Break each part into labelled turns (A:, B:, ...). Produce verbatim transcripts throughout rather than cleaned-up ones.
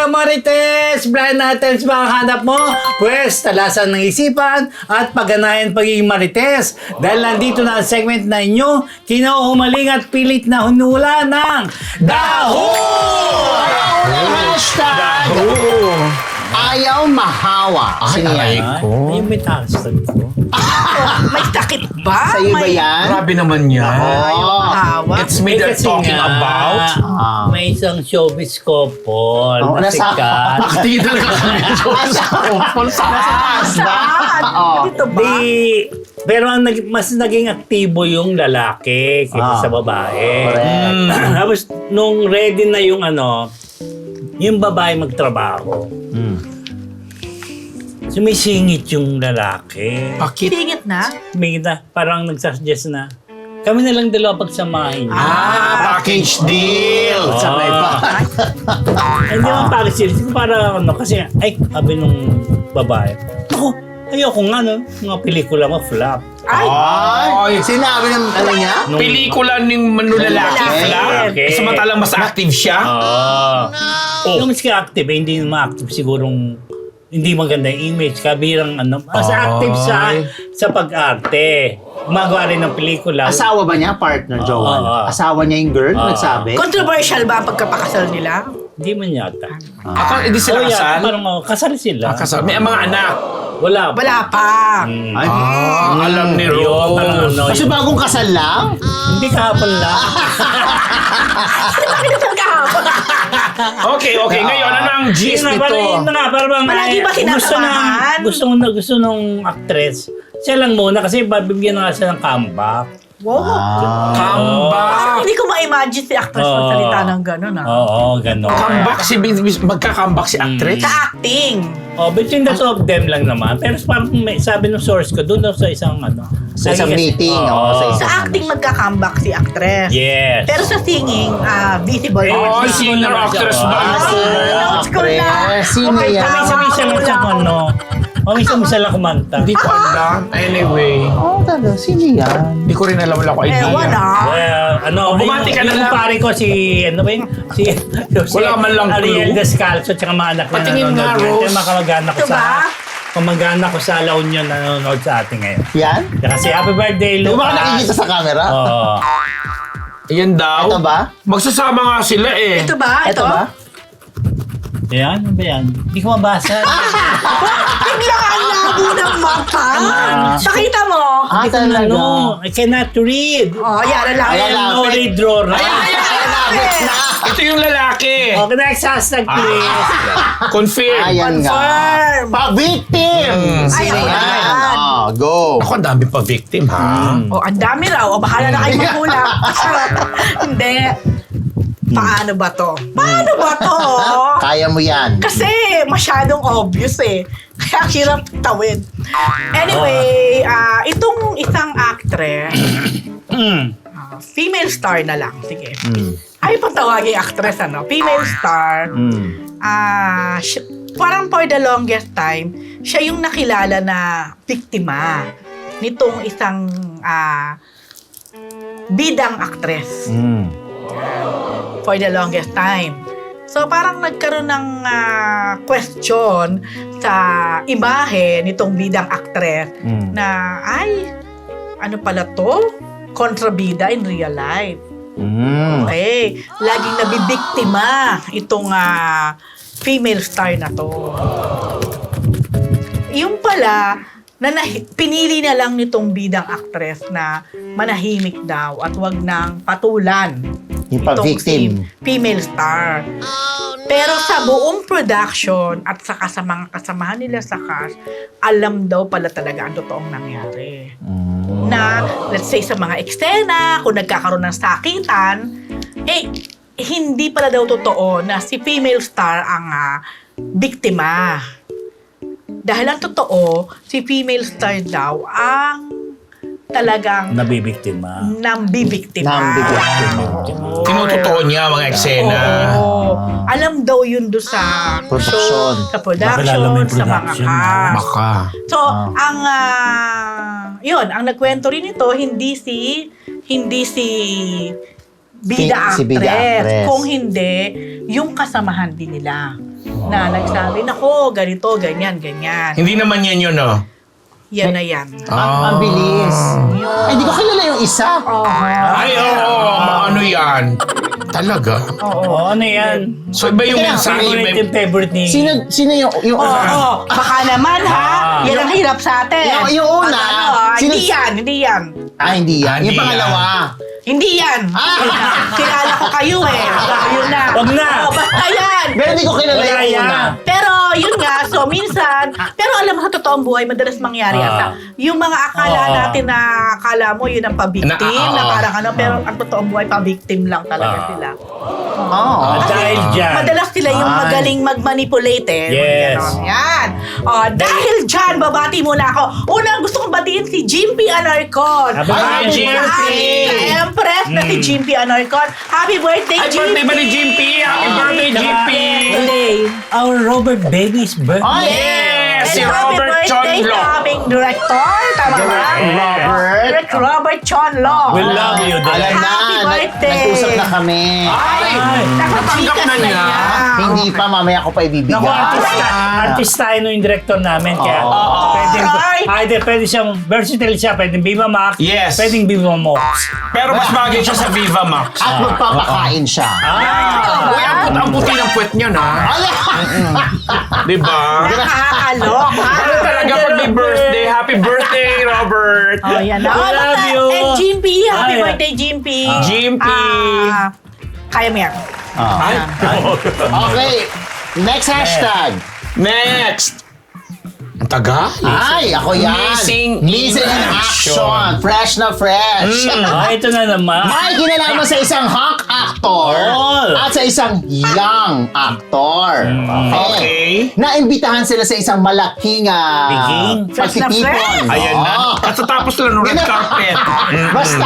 A: Marites! Blind items ba ang hanap mo? Pwes, talasan ng isipan at pagganayan pagiging Marites. Dahil nandito na ang segment na inyo, kinauhumaling at pilit na hunula ng Daho!
B: Hashtag ayaw mahawa.
C: Ay,
B: Sino
C: aray
B: yan?
C: ko.
A: Ayun, may hashtag ko.
D: May takip ba?
B: Sa'yo ba
D: May-
B: yan?
C: Grabe naman yan.
B: Oo.
D: Hawa?
C: It's me they're
A: kasi
C: talking
A: nga,
C: about.
B: Ah.
A: May isang showbiz couple
B: Oh,
A: na
B: nasa-
A: sikat.
C: Bakit talaga kami
B: Asa ko? Saan?
D: Saan?
B: Oo.
D: Dito ba?
A: Di, pero ang nag, mas naging aktibo yung lalaki kaysa
B: Ah.
A: sa babae.
B: Correct.
A: Mm. Tapos nung ready na yung ano, yung babae magtrabaho,
B: Mm.
A: sumisingit yung lalaki.
C: Bakit?
D: Singit na?
A: May na, parang nagsasuggest na, kami na lang dalawa pagsamahin.
C: Ah, package deal.
A: Ah.
B: Sabay pa.
A: Ay, hindi naman package deal. Siguro para ano, kasi, ay, sabi nung babae, ako, ayoko nga, no, mga pelikula mo, flop.
D: Ay!
C: Ay,
B: Sinabi ng ano niya?
A: Nung-
C: pelikula ng manulalaki
D: Lalaki.
C: pala.
A: Okay.
C: Samantalang mas active siya.
A: Oo.
C: Oh.
A: Yung mas ka-active, eh, hindi naman active sigurong hindi maganda yung image, kabirang ano, mas
C: Ay.
A: active sa sa pag-arte. Gumagawa rin ng pelikula.
B: Asawa ba niya? Partner, Joel?
A: Oo.
B: Asawa niya yung girl?
A: Oo.
B: Nagsabi?
D: Controversial ba ang pagkapakasal nila?
A: Hindi man yata.
C: Ako, hindi sila
A: Oh, yeah,
C: kasal.
A: parang oh, kasal sila.
C: Ah, kasal. May mga anak.
A: Wala pa.
D: Wala pa.
A: Mm.
B: Ay,
C: Ah, alam ni
A: Yun, parang
C: Rose.
A: ano,
B: kasi
A: yun.
B: bagong kasal lang?
A: Hindi kahapon lang.
D: Bakit ito kahapon?
C: Okay, okay. Ngayon, ano ang gist
A: Yun na, parang, yun
C: nito?
A: na nga, parang
D: Palagi
A: eh,
D: ba
A: gusto
D: kinakamahan?
A: ng, gusto, na, gusto nung actress. Siya lang muna kasi babigyan na nga siya ng comeback.
D: Wow.
B: Ah.
C: Comeback.
D: Parang hindi ko ma-imagine si actress
A: Oo.
D: magsalita ng gano'n ah.
A: Oo, gano'n.
C: Comeback si magka-comeback si actress.
D: Sa acting.
A: Oh, between the two of them lang naman. Pero parang may, sabi ng source ko, doon daw sa isang ano.
B: Sa isang
A: Lagi kasi-
B: meeting,
A: Oo.
B: oo, sa
D: Sa
B: isang-
D: acting magka-comeback si actress.
A: Yes.
D: Pero sa singing, ah, visible
A: Eh,
C: Oh,
D: naman siya.
C: singer actress ba?
B: Ah, sino
D: Ah, notes ko na.
B: actress? Sino
D: Okay,
B: yan?
D: tama.
A: Minsan-minsan lang siya kung ano. O minsan-minsan lang kumanta.
C: Hindi ko alam. Anyway,
B: Oo, talaga. Sino yan?
C: hindi ko rin alam. Wala ko idea.
D: Ewan ah.
A: Well, ano,
C: Oh, bumati ka na
A: yung
C: lang.
A: pare ko si, ano ba yun? Si, si
C: Wala man lang
A: Ariel
C: clue.
A: Descalzo, tsaka mga anak na
C: Patingin nga,
A: nanonood.
C: Rose.
A: Yung mga kamag-anak ko
D: Ito
A: sa,
D: ba?
A: kamag-anak ko sa La Union na nanonood sa atin ngayon.
B: Yan?
A: Kasi happy birthday,
B: Yung
A: Lucas.
B: mga nakikita sa camera?
A: Oo.
C: Ayan daw.
B: Ito ba?
C: Magsasama nga sila eh.
D: Ito ba?
B: Ito ba?
A: Yan, ano ba yan? Hindi ko mabasa.
D: Bigla ang labo ng mata.
B: Ah.
D: Nakita mo?
B: Ah, talaga.
A: Ano, I cannot read.
D: Oh, yan. Alam
A: I
B: Ayan,
A: am
B: lapit.
A: no read drawer.
B: Labit na!
C: Ito yung lalaki.
A: Okay, next hashtag please.
C: Confirm.
B: Ayan nga.
D: Confirm.
B: Pa-victim!
C: Mm.
B: Sino
D: Ay,
B: yan?
D: ayan.
B: Oh, go!
C: Ako, ang dami pa victim, ha?
D: Oh, ang dami raw. O, bahala na kayo maghula. Hindi. Paano ba to? Paano ba to?
B: Kaya mo yan.
D: Kasi masyadong obvious eh. Kaya ang hirap tawid. Anyway, ah itong isang actress,
A: Mm.
D: ah, female star na lang. Sige.
B: Mm.
D: Ay, patawagin actress, ano? Female star.
B: Mm.
D: Ah, siya- parang for the longest time, siya yung nakilala na biktima nitong isang ah, bidang actress.
B: Mm.
D: For the longest time. So parang nagkaroon ng ah, question sa imahe nitong bidang actress
B: Mm.
D: na ay, ano pala to? Kontrabida in real life.
B: Mm.
D: Okay. Laging nabibiktima itong ah, female star na to. Yung pala, na nahi- pinili na lang nitong bidang actress na manahimik daw at wag nang patulan
B: Yung
D: itong
B: pa-victim.
D: si female star. Pero sa buong production at saka sa mga kasamahan nila sa cast, alam daw pala talaga ang totoong nangyari.
B: Mm.
D: Na, let's say sa mga eksena, kung nagkakaroon ng sakitan, eh, hindi pala daw totoo na si female star ang ah, biktima. Dahil ang totoo, si female star daw ang talagang
A: Nabibiktima.
D: nambibiktima.
B: Nambibiktima.
D: Oo.
C: Tinutotoo niya mga eksena.
D: Oo. Alam daw yun do sa
B: Production.
D: show, sa
A: Baka lalo
D: production,
A: may
D: sa mga
A: production,
D: cast.
C: Baka.
D: So,
B: Ah.
D: ang ah, yun, ang nagkwento rin ito, hindi si hindi si bida
B: Si- si bida
D: actress,
B: actress.
D: kung hindi yung kasamahan din nila. Na nagsabi, nako, ganito, ganyan, ganyan.
C: Hindi naman yan yun, no?
D: Yan na yan.
B: Ang, ang bilis. Ay, di ko kilala yung isa.
C: Ay, oo. ano yan? Talaga?
A: Oo, ano yan?
C: So, iba yung
B: Kaya,
C: mensahe.
A: Favorite
C: May...
A: yung favorite ni...
B: Sino, sino yung... yung
D: Oo, oh, baka naman ha.
A: Ah.
D: Yan ang hirap sa atin.
B: Yung- yung una,
D: Pag ano, ah,
B: sino-
D: hindi yan, hindi yan.
B: Ah, hindi yan.
C: Ah,
B: Yung
C: hindi
B: pangalawa.
D: Hindi yan.
B: Ah.
D: Kilala ko kayo eh. Yun na.
A: Wag na.
D: Oh, basta yan.
B: Pero hindi ko kilala
A: Wala
B: yung
A: yan.
B: una.
D: Pero yun nga, so minsan, pero alam mo sa totoong buhay, madalas mangyari
A: Ah.
D: ata. Yung mga akala
A: Ah.
D: natin na akala mo yun ang pabiktim,
C: Na- ah,
D: na,
C: ah.
D: parang ano, pero ang totoong buhay, pabiktim lang talaga
A: Ah.
D: sila.
B: Oh.
A: Ah, dahil dyan.
D: Madalas sila yung
B: Ay.
D: magaling mag-manipulate eh.
A: Yes.
D: Ganon. Yan. Oh, dahil dyan, babati muna ako. Unang gusto kong batiin si Jimpy Anarcon.
A: Happy
C: Ay,
A: birthday,
C: Jimpy!
D: Ka-empress na si
A: Mm.
D: Jimpy Anarcon. Happy birthday,
C: Ay,
D: Jimpy!
C: birthday ba ni Jimpy? Happy birthday, Jimpy!
D: Birthday.
A: Our Robert Baby's birthday.
B: Ay,
C: Yes! Si
D: And
C: Robert
D: happy birthday
C: Chonlo.
D: sa aming director. Tama ba?
B: Robert.
D: Direct Robert Chonlo.
A: We love you, Direk.
B: Alam na,
D: Happy
B: nag-
D: birthday.
B: nag-usap na kami.
C: Ay!
A: Ay.
C: Natanggap na niya.
B: Hindi pa, mamaya ko pa ibibigay.
A: Naku, artista,
B: Ah.
A: artista tayo yung director namin. Kaya
B: Oo.
A: pwedeng,
D: Alright.
A: either pwede siyang versatile siya, pwedeng Viva Max,
C: Yes.
A: pwedeng Viva Mox.
C: Pero mas bagay siya sa Viva Max.
B: At magpapakain siya.
A: Ah!
C: Uy, ang, put- ang puti ng puwet niya, na.
B: Ala!
C: Di ba?
D: Nakakalok. ha?
C: Ano talaga pag may birthday? Happy birthday, Robert!
D: Oh, yan na.
A: We
D: Oh,
A: love
D: basta-
A: you.
D: And Jimpy, happy
A: Ay.
D: birthday, Jimpy.
C: Jimpy.
D: Ah, kaya mo yan.
B: Ah.
C: Ay.
B: Okay, next hashtag.
C: Next! Ang tagal.
B: Ay, ako yan.
C: Missing
B: Missing
C: in
B: in
C: action.
B: action. Fresh na fresh.
A: Ah, ito na naman.
B: May kinalaman sa isang hunk actor
A: All.
B: at sa isang young actor.
C: Okay.
B: Naimbitahan sila sa isang malaking uh,
A: Biging?
D: Fresh na
B: pagtitipon.
D: fresh.
C: Ayan na.
B: Oo.
C: Katatapos lang ng red carpet.
B: Basta.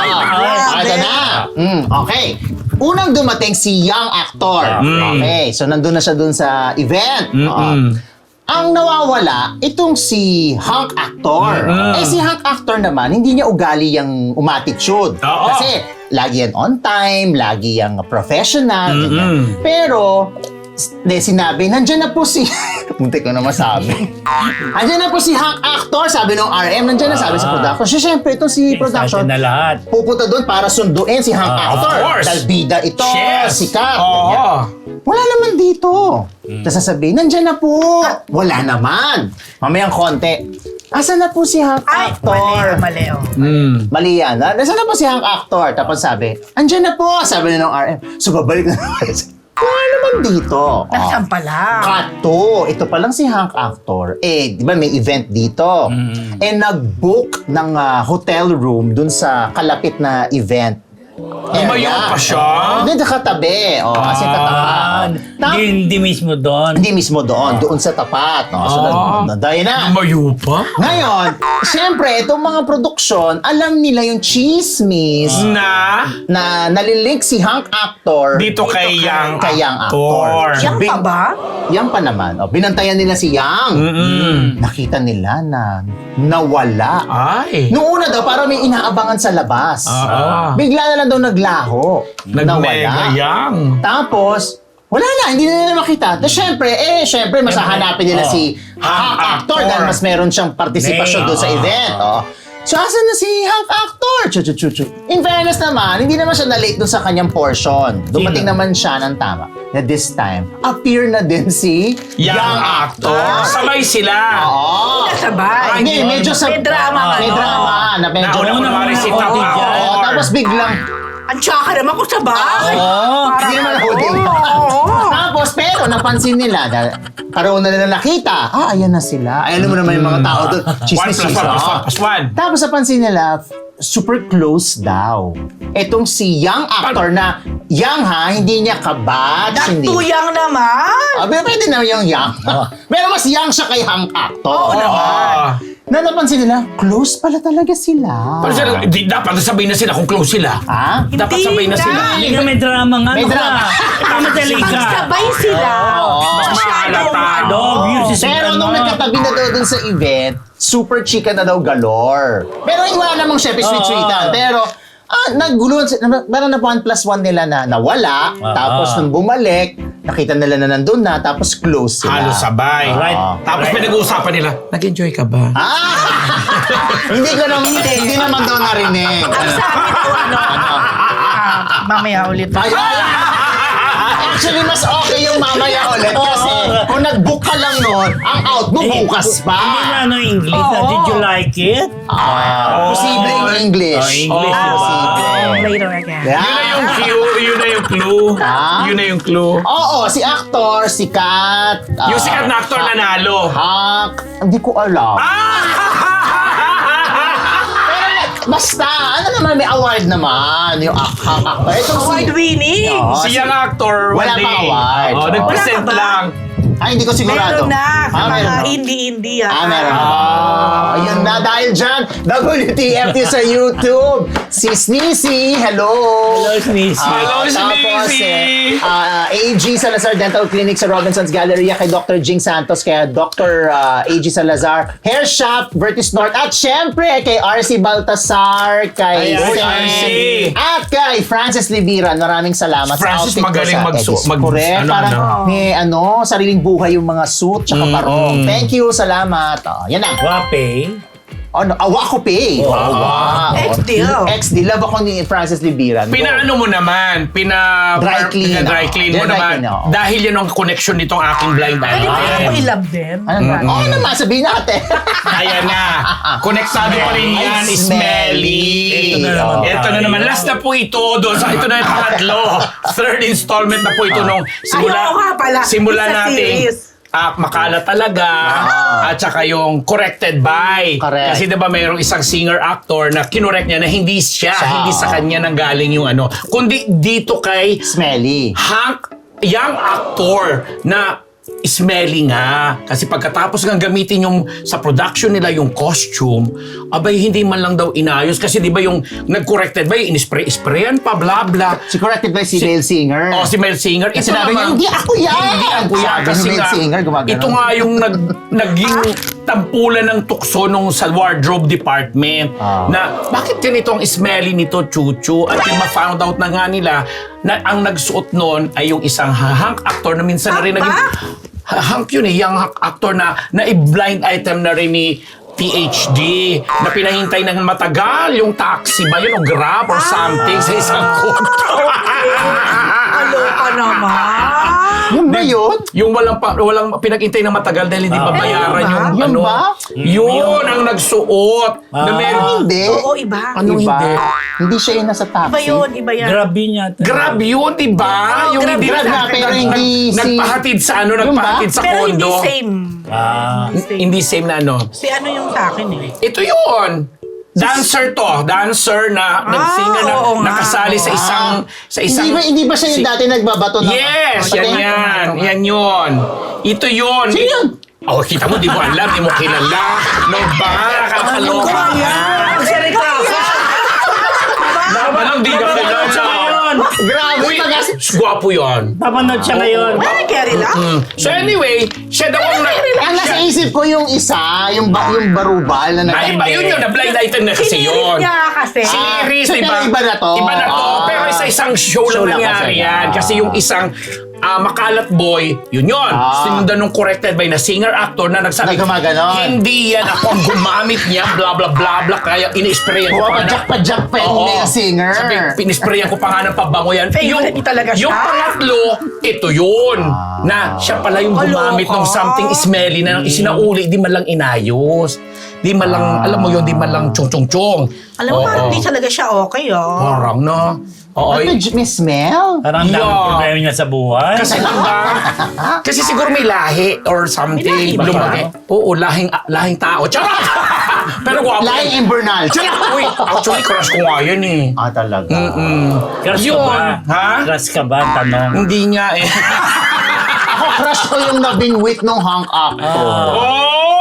B: Ah, ito na. Mm, okay. Unang dumating si young actor.
C: Mm.
B: Okay. So, nandun na siya dun sa event. Oo.
C: Mm-mm.
B: Ang nawawala, itong si hunk actor.
C: Mm.
B: Eh si hunk actor naman, hindi niya ugali yung umatitude.
C: Oo.
B: Kasi lagi yan on time, lagi yung professional.
C: Mm-mm.
B: ganyan. Pero, s- de, sinabi, nandyan na po si... Munti ko na masabi. Nandyan na po si hunk actor, sabi ng R M, nandyan na sabi sa
C: Ah.
B: production. So, syempre, ito si production,
A: Excited na lahat.
B: pupunta doon para sunduin si hunk
A: Ah,
B: actor.
C: of course.
B: Dahil bida ito,
C: Yes.
B: sikat.
C: Oo.
B: ganyan. Wala naman dito. Tapos sasabihin, nandyan na po. Wala naman. Mamayang konti. Asan na po si hunk
D: Ay,
B: actor?
D: mali, mali. Oh.
C: Mm.
B: Mali yan. ha? Nasaan na po si hunk actor? Tapos sabi, andyan na po. Sabi na ng R M. So babalik na naman. Wala naman dito.
D: Nasaan pala?
B: Kato, ito pa lang si hunk actor. Eh, di ba may event dito? Eh, nag-book ng ah, hotel room dun sa kalapit na event.
C: Lumayo pa siya?
B: Hindi, nakatabi. Oh, kasi
A: Ah,
B: katapat. Tap-
A: hindi, hindi mismo doon.
B: Hindi mismo doon, doon sa tapat. No? So,
C: Ah.
B: na, na, na.
C: Lumayo pa?
B: Ngayon, siyempre, itong mga produksyon, alam nila yung chismis
C: Na?
B: na nalilink si hunk actor
C: Dito kay Yang
B: kay young actor.
C: actor.
D: Yang pa ba?
B: Yang pa naman. O, binantayan nila si Yang.
C: Mm-mm.
B: Nakita nila na nawala.
C: Ay.
B: Noong una daw, parang may inaabangan sa labas.
C: Ah.
B: Bigla na lang daw naglaho.
C: Nag-mega yang.
B: Tapos, wala na, hindi na nila makita. Tapos syempre, eh, syempre, mas hahanapin nila
A: Oh.
B: si hunk actor
C: Actor.
B: dahil mas meron siyang partisipasyon
A: Nay,
B: doon sa
A: ah.
B: event. Oh. So, asan na si hunk actor? Chu, chu, chu, chu. In fairness naman, hindi naman siya na-late doon sa kanyang portion. Dumating
A: Sino?
B: naman siya ng tama. Na this time, appear na din si
C: Yang actor. Sabay sila.
B: Oo.
D: Nasabay.
B: Ah, hindi, medyo sa...
D: May drama nga,
B: May
D: no?
B: drama na medyo...
C: Nauna
A: Nauna
C: kunwari si
A: ako
C: Tao.
A: dyan.
B: Oo, tapos biglang...
D: Ang tsaka naman kung sabay.
A: Oo.
B: Hindi naman ako din. Tapos, pero napansin nila, dahil karoon na nila nakita, ah, ayan na sila. Ay, alam mo naman yung mga tao doon,
C: One
B: chismis
C: plus one plus one plus one.
B: Tapos napansin nila, super close daw. Etong si young actor na, young ha, hindi niya kabatch, hindi.
D: Natuyang naman.
B: Ah, pero pwede na yung young. Pero mas young siya kay hunk actor.
D: Oo naman.
B: Na napansin nila, close pala talaga sila.
C: Pero sila, di, dapat sabihin na sila kung close sila.
B: Ha?
C: Dapat
D: Hindi
C: sabay na
D: na.
C: sila.
A: Hindi ka may drama nga.
B: May
A: Ano
B: drama.
A: ka? Mamadali ka.
D: Magsabay sila.
B: Oo.
C: Mas
D: Masyadong
C: mahalata.
D: ano.
A: Dog, yun si
B: Pero
A: ano.
B: nung nagkatabi na daw dun sa event, super chika na daw galore. Pero wala namang syempre sweet-sweetan.
A: Oo.
B: Pero Ah, naguluhan, si- na- meron na one plus one nila na nawala,
A: Ah.
B: tapos nung bumalik, nakita nila na nandun na, tapos close sila.
C: Halos sabay.
A: Right.
C: Tapos
A: Right.
C: pinag-uusapan nila, nag-enjoy ka ba?
B: Ah! hindi ko naman, hindi, hindi naman daw narinig.
D: Ang sabi ko, ano, ah, mamaya ulit.
B: Ay, ay, actually, mas okay yung mamaya ulit kasi kung nag-book ka lang noon, ang out mo bukas pa.
A: Hindi na ano English na,
D: Oo.
A: did you like it?
B: Ah, posibleng English.
A: Oh, English,
B: Ah,
A: diba?
B: posible.
D: Later again.
B: Yeah.
C: Yun na yung clue, yun na yung clue.
B: Ah?
C: Yun na yung clue.
B: Oo, si actor, si Kat. ah,
C: Yung sikat na actor nanalo.
B: Hak. Hindi ko alam. Basta, ano naman, may award naman. Yung ak- Hak actor. Itong si...
D: Award winning.
B: Oo,
C: Si
B: si-
C: young actor,
B: Wala
C: one
B: pang
C: day.
B: award.
C: Oh,
B: Oo.
C: nag-present
D: Wala ka ba?
C: lang.
B: Ay, hindi ko sigurado.
D: Meron na sa
B: Ah, meron
D: mga
B: na.
D: indie-indie.
B: Ah, meron na. Ah, ayun na, dahil dyan, W T F T sa YouTube. Si Sneezy, hello.
A: Hello, Sneezy.
B: Ah,
C: Hello,
B: tapos,
C: Sneezy.
B: eh, ah, A G Salazar Dental Clinic sa Robinson's Galleria kay Doctor Jing Santos, kay Doctor ah, A G Salazar Hair Shop, Vertis North, at syempre kay R C Baltasar, kay
A: Ayan,
B: Sen,
C: R C.
B: at kay Francis Libiran. Maraming salamat
C: Francis,
B: sa outfit
C: magaling
B: ko sa
C: magsu-
B: edits.
C: mag-
B: Correct,
C: ano,
B: parang
C: ano.
B: may ano, sariling buhay yung mga suit tsaka
C: Mm,
B: parong.
C: mm.
B: Thank you, salamat. Oh, yan na.
A: Wape.
B: Ano, awa ko pay.
A: Oh,
B: wow.
D: Ex-deal.
B: Ex-deal. Love ako ni Francis Libiran.
C: Pinaano mo naman, pina
B: Dry clean,
C: pina dry
B: oo.
C: clean mo
B: Dry
C: naman.
B: clean, oo.
C: Dahil yan ang connection nitong aking blind
D: Pwede ba
C: item.
D: ako i-love din?
B: Ano ba? Oo naman, sabihin natin.
C: Ayan na. Konektado pa rin yan,
B: Ay,
C: smelly.
A: Ito na naman
C: Ito na
A: tayo.
C: naman. Last na po ito. Doon. So, ito na yung pangatlo. Third installment na po ito nung simula,
D: Ayaw nga pala.
C: simula
D: It's a
C: natin.
D: series.
C: Ah, makala talaga at saka yung corrected by.
B: Correct.
C: Kasi 'di ba mayroong isang singer-actor na kinorek niya na hindi siya,
B: Siya,
C: hindi sa
B: oo.
C: kanya nanggaling yung ano, kundi dito kay
B: Smelly.
C: Hank, young actor na smelly nga. Kasi pagkatapos ng gamitin yung sa production nila yung costume, abay hindi man lang daw inayos. Kasi di ba yung nag-corrected ba, in-spray-sprayan pa, bla bla.
B: Si corrected by si, Male Singer.
C: Oh, si Mel Singer.
B: Kasi
C: Ito
B: sinabi niya,
C: naman,
B: hindi ako yan!
C: Hindi ako yan.
B: Sabi
C: Kasi
B: ni Mel
C: nga,
B: Singer, gumagano.
C: ito nga yung nag, naging tampulan ng tukso nung sa wardrobe department.
B: Ah.
C: Na bakit ganito ang smelly nito, Chuchu? At yung ma-found out na nga nila na ang nagsuot noon ay yung isang hunk actor na minsan na rin
D: Hunk
C: naging...
D: ba?
C: Hunk yun eh, young hunk actor na na blind item na rin ni P H D na pinahintay ng matagal yung taxi ba yun o grab or something sa isang kotro.
D: Aloka naman.
B: Yun ba yun?
C: Yung walang pa, walang pinag-intay na matagal dahil hindi
A: Ah.
C: babayaran
D: Ayun
C: yung
D: ba?
B: Yun
C: ano.
B: ba?
C: Yun ang nagsuot.
A: Ah.
C: Na meron,
B: Hindi.
D: Oo, iba.
C: Anong
B: Iba.
C: hindi?
B: Hindi siya yung nasa taxi.
D: Iba yun, iba yan.
A: Grabe niya.
C: Grab yun, di ba?
D: Oo,
C: Yung
D: grab,
C: hindi
B: grab nga, pero hindi si-
C: nagpahatid sa ano,
B: Yun ba?
C: nagpahatid sa
D: Pero hindi
C: kondo.
D: same.
A: Ah.
D: Hindi same.
C: Hindi same na ano.
D: Si ano yung sa akin eh.
C: Ito yun. Dancer to. Dancer na nag-singer na
D: oo nga.
C: nakasali sa isang sa isang
B: Hindi ba, hindi ba siya yung
C: si-
B: dati nagbabato ng...
C: Yes,
B: Patay?
C: yan yan. Yan yun. Ito yun.
B: Sino yun?
C: Oh, kita mo, di mo alam, di mo kilala. No ba? Nakakaloka
D: Ano
C: ka. Dapat lang di ka kilala.
B: Grabe,
C: Uy,
B: pag
C: gwapo yun.
A: Papanood siya ngayon.
D: Ay, carry lang.
C: Mm. So anyway, siya daw ang nag...
B: Ang nasa isip ko yung isa, yung, ba, yung barubal na
C: Ay,
B: nag-
C: ba yun yun? Na blind item na kasi
D: Sinirit
C: yun.
D: niya kasi.
C: Series,
B: So,
C: di ba?
B: pero iba na to.
C: Iba na to.
B: Ah.
C: Pero sa isang show,
B: Show
C: lang
B: lang
C: nangyari
B: kasi.
C: yan.
B: Ah.
C: Kasi yung isang ah, makalat boy, yun yun.
B: Ah.
C: Sinundan nung corrected by na singer-actor na nagsabi,
B: Na gumaganon.
C: hindi yan ako ang gumamit niya, bla bla bla bla, kaya ini-sprayan ko pa nga na-
B: Pumapajak-pajak pa yung
C: Oo.
B: Male Singer.
C: Sabi, pinisprayan ko pa nga ng pabango yan.
D: Favorite niya talaga siya.
C: Yung pangatlo, ito yun.
B: Ah.
C: Na siya pala yung gumamit
D: Aloka.
C: ng something smelly na isinauli, di man lang inayos. Di man lang,
B: Ah.
C: alam mo yun, di man lang chung-chung-chung.
D: Alam mo,
C: Oo.
D: parang hindi talaga siya okay, oh.
C: Parang na. Oo.
B: Ano, may smell?
A: Parang ang daming
C: Yeah.
A: problema niya sa buhay.
C: Kasi lang ba? Kasi siguro may lahi or something.
D: May lahi ba?
C: Lumaki. Oo, lahing, lahing tao. Charot! Pero gwapo.
B: Lying Invernal.
C: Uy, actually, crush ko nga yan eh.
B: Ah, talaga.
C: Mm-mm.
A: Crush ka
C: Yun.
A: ba?
C: Ha?
A: Crush ka ba? Tanong.
C: Hindi nga eh.
B: Ako, crush ko yung nabingwit nung hunk actor.
C: Oy!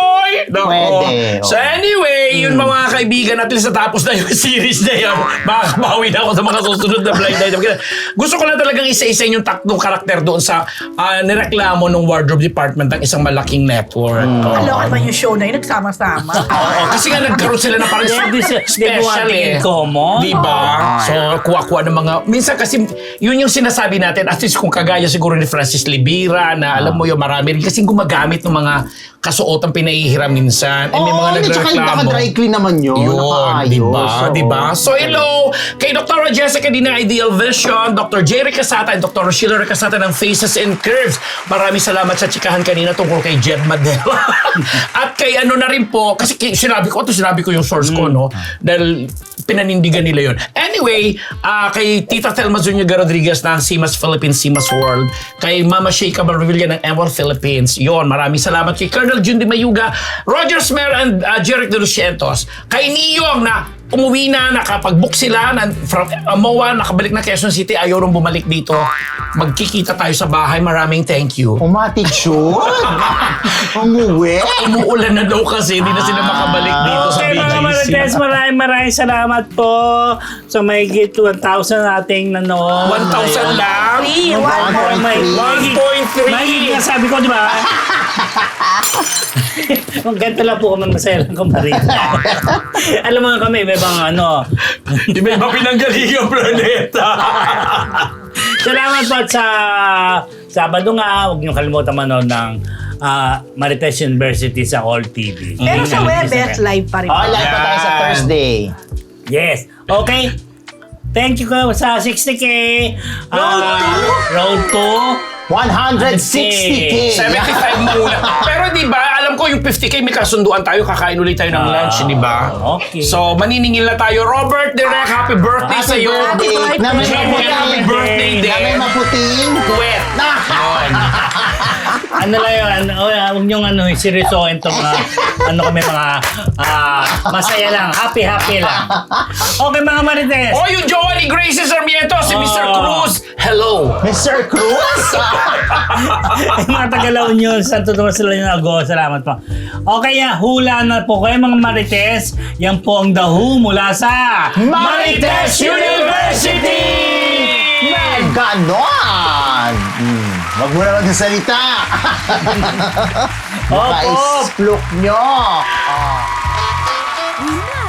C: Nako.
B: Pwede,
C: So
B: oo.
C: anyway, yun mga kaibigan, at least natapos na yung series na yun. Makakabawi na ako sa mga susunod na blind item. Gusto ko lang talagang isa-isa yung tatlong karakter doon sa uh, nireklamo ng wardrobe department ng isang malaking network. Oo.
D: Kalokan man yung show na yun, nagsama-sama.
C: Oo, kasi nga nagkaroon sila ng parang
A: Di- di- di-
C: special
A: di-
C: eh.
A: common.
C: Diba? So, kuha-kuha ng mga... Minsan kasi, yun yung sinasabi natin, at least kung kagaya siguro ni Francis Libira, na alam mo yung marami rin kasi gumagamit ng mga kasuotang pinahihiram minsan. Eh, may
B: Oo,
C: mga
B: hindi, tsaka
C: nagreklamo.
B: naka-dry clean naman yun.
C: Yun,
B: Nakaayos.
C: diba?
B: Oo.
C: Diba? So, hello kay Doctor Jessica Dina Ideal Vision, Doctor Jerry Casata, and Doctor Sheila Casata ng Faces and Curves. Maraming salamat sa chikahan kanina tungkol kay Jed Madel. At kay ano na rin po, kasi ki- sinabi ko, ito sinabi ko yung source ko, no? Dahil pinanindigan nila yun. Anyway, ah, kay Tita Thelma Zuniga Rodriguez ng Simas Philippines, Simas World. Kay Mama Sheikha Barvilla ng M one Philippines. Yon, maraming salamat kay Colonel Jun Di Mayuga, Roger Smer and uh, Jeric De Lucientos. Kay Niyong na umuwi na, nakapag-book sila na, from uh, M O A, nakabalik na Quezon City, ayaw rin bumalik dito. Magkikita tayo sa bahay. Maraming thank you.
B: Umatig shoot. Umuwi.
C: Umuulan na daw kasi, hindi na sila makabalik dito sa
A: Okay
C: B
A: mga
C: G C.
A: Marites, maraming maraming salamat po sa may git one thousand nating nanood.
C: one thousand lang?
D: Three,
A: One
D: one
A: point
D: point
A: three.
C: one point three.
A: Mahigit nga sabi ko, di ba? Kung ganito lang po kami, masaya lang kumarin. Alam mo nga kami, may bang ano.
C: Iba-iba pinanggaling ang planeta.
A: Salamat po at sa Sabado nga, huwag niyo kalimutan manood ng ah, Marites University sa All T V.
D: Pero sa
A: Mm.
D: Webes, live pa rin.
B: Oh, live pa tayo sa
A: Yan.
B: Thursday.
A: Yes. Okay. Thank you ko sa sixty K.
D: Road
A: Ah,
D: to?
A: Road to.
B: one hundred sixty K.
C: seventy-five muna. Pero di ba, alam ko yung fifty K may kasunduan tayo, kakain ulit tayo ng lunch, di ba?
A: okay.
C: So, maniningil na tayo. Robert Direk, happy birthday sa
B: Happy
C: iyo.
B: birthday. Na may
C: Champion,
B: maputing.
C: happy birthday
B: Na may
C: din.
B: maputing.
C: Kuwet. Yun.
A: Ano lang yun, oh, huwag niyong ano, seryosohin itong mga, ano kami mga, ah, masaya lang, happy-happy lang. Okay mga Marites.
C: Oh, yung jowa ni Gracie Sarmiento, si Mister
A: Oh.
C: Cruz. Hello.
B: Mister Cruz.
A: Yung mga Tagalaw News, Santo Tomas sila yung ago. Salamat po. Okay, yan. Hula na po kayo mga Marites. Yan po ang The Who mula sa
B: Marites University! May ganon! Hmm. Wag mo na magsasalita. Baka
A: Opo.
B: isplok nyo.
E: We